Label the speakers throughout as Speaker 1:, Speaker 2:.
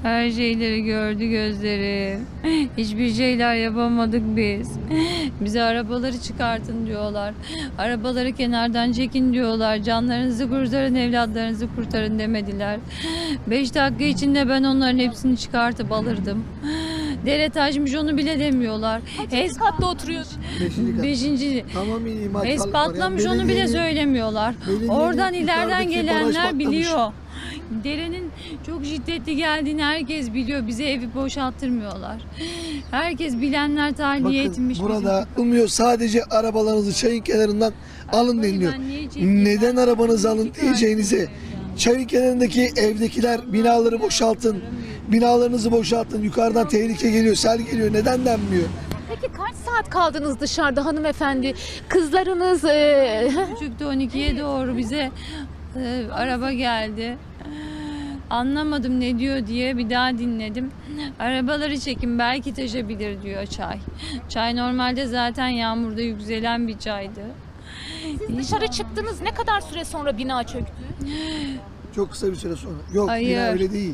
Speaker 1: Her şeyleri gördü gözlerim. Hiçbir şeyler yapamadık biz. Bize arabaları çıkartın diyorlar. Arabaları kenardan çekin diyorlar. Canlarınızı kurtarın, evlatlarınızı kurtarın demediler. 5 dakika içinde ben onların hepsini çıkartıp alırdım. Dere taşmış onu bile demiyorlar.
Speaker 2: Kaçıncı katta oturuyorsun?
Speaker 3: 5.
Speaker 1: Beşinci
Speaker 3: Tamam iyi maşallah.
Speaker 1: es patlamış onu bile söylemiyorlar. Oradan ileriden gelenler biliyor. Derenin çok şiddetli geldiğini herkes biliyor. Bize evi boşalttırmıyorlar. Herkes bilenler tahliye etmiş.
Speaker 3: Bakın burada olmuyor, sadece arabalarınızı çayın kenarından alın deniliyor. Neden arabanızı alın diyeceğinize çayın kenarındaki evdekiler binaları boşaltın. Binalarınızı boşaltın. Yukarıdan tehlike geliyor, sel geliyor. Neden denmiyor?
Speaker 2: Peki kaç saat kaldınız dışarıda hanımefendi? Kızlarınız...
Speaker 1: Küçükte 12'ye doğru bize araba geldi. Anlamadım ne diyor diye bir daha dinledim. Arabaları çekin belki taşabilir diyor çay. Çay normalde zaten yağmurda yükselen bir çaydı.
Speaker 2: Siz dışarı çıktınız, ne kadar süre sonra bina çöktü?
Speaker 3: Çok kısa bir süre sonra. Yok,
Speaker 1: Hayır.
Speaker 3: bina öyle değil.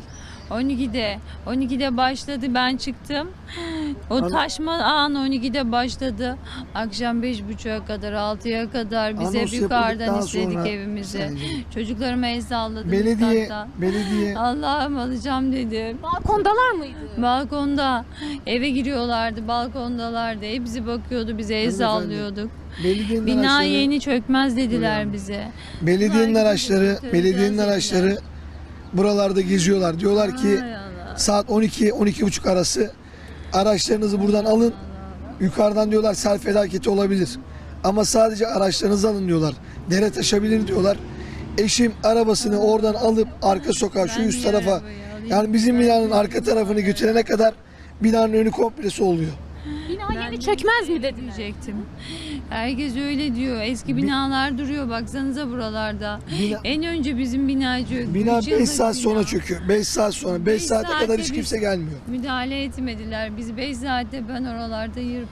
Speaker 1: 12'de başladı, ben çıktım. O taşma an 12'de başladı. Akşam 5.30'a kadar 6'ya kadar biz hep
Speaker 3: Anons
Speaker 1: yukarıdan
Speaker 3: yapıldıktan
Speaker 1: istedik
Speaker 3: sonra
Speaker 1: evimizi.
Speaker 3: sadece.
Speaker 1: Çocuklarıma el salladım.
Speaker 3: Belediye
Speaker 1: Allah'ım alacağım dedim.
Speaker 2: Balkondalar mıydı?
Speaker 1: Balkonda eve giriyorlardı, balkondalardı. Hepsi bakıyordu, bize el
Speaker 3: Hanımefendi,
Speaker 1: sallıyorduk.
Speaker 3: belediyenin
Speaker 1: Bina
Speaker 3: araçları,
Speaker 1: yeni çökmez dediler
Speaker 3: Buyurun.
Speaker 1: bize.
Speaker 3: belediyenin
Speaker 1: Bunlar
Speaker 3: araçları,
Speaker 1: gidip
Speaker 3: belediyenin
Speaker 1: götüreceğiz
Speaker 3: araçları
Speaker 1: dediler.
Speaker 3: buralarda geziyorlar. Diyorlar ki
Speaker 1: Ay Allah.
Speaker 3: saat 12-12.30 arası araçlarınızı buradan alın. Yukarıdan diyorlar sel felaketi olabilir. Ama sadece araçlarınızı alın diyorlar. Dere taşabilir diyorlar. Eşim arabasını oradan alıp arka sokağa şu
Speaker 1: Ben
Speaker 3: üst
Speaker 1: bir
Speaker 3: tarafa,
Speaker 1: arabayı alayım.
Speaker 3: yani bizim binanın arka tarafını götürene kadar binanın önü komplesi oluyor.
Speaker 2: Bina yeni çökmez mi dediler?
Speaker 1: Diyecektim. Herkes öyle diyor. Eski binalar duruyor. Baksanıza buralarda.
Speaker 3: Bina-
Speaker 1: En önce bizim bina çöktü.
Speaker 3: Bina
Speaker 1: 3
Speaker 3: 5
Speaker 1: yıllık
Speaker 3: saat sonra
Speaker 1: bina.
Speaker 3: çöküyor. 5 saat sonra. 5
Speaker 1: Beş
Speaker 3: saate kadar
Speaker 1: saatte
Speaker 3: hiç
Speaker 1: biz-
Speaker 3: kimse gelmiyor.
Speaker 1: Müdahale etmediler. Biz 5 saatte ben oralarda